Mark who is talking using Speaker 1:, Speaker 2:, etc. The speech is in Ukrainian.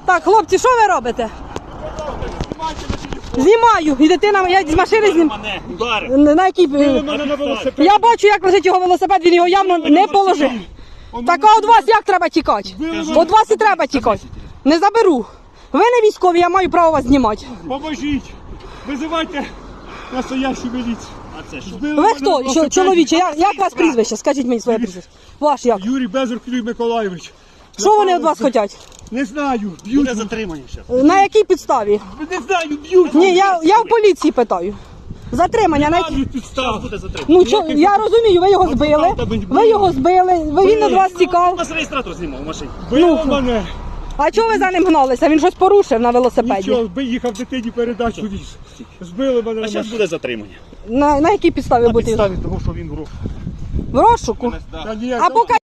Speaker 1: Так, хлопці, що ви робите? Знімаю. І дитина, я з машини знімаю. На якій... Я бачу, як лежить його велосипед, він його явно не положив. Так, а від вас як треба тікати? Від вас і треба тікати. Не заберу. Ви не військові, я маю право вас знімати.
Speaker 2: Поможіть! Визивайте настоящу міліцію. А це що?
Speaker 1: Ви хто? Чоловіче, як вас прізвище? Скажіть мені своє прізвище. Ваш як?
Speaker 2: Юрій Безрук Юрій Миколайович.
Speaker 1: Що вони від вас хочуть?
Speaker 2: Не знаю, б'ють.
Speaker 3: Буде затримання зараз.
Speaker 1: На якій підставі?
Speaker 2: Не знаю, б'ють.
Speaker 1: Ні, я в поліції питаю. Затримання на якій?
Speaker 2: Кажуть підстав.
Speaker 3: Буде затримання.
Speaker 1: Ну, я розумію, ви його збили. Ви його збили, він від вас
Speaker 3: У
Speaker 1: тікав.
Speaker 3: нас реєстратор знімав в машині.
Speaker 2: Били мене.
Speaker 1: А чого ви за ним гналися? Він щось порушив на велосипеді.
Speaker 2: Нічого, їхав дитині передачу віз. Збили мене.
Speaker 3: А зараз буде затримання.
Speaker 1: На якій підставі
Speaker 3: На
Speaker 1: бути?
Speaker 3: підставі того, що він в рух.
Speaker 1: В розшуку?
Speaker 2: Та ні,
Speaker 1: А покажіть.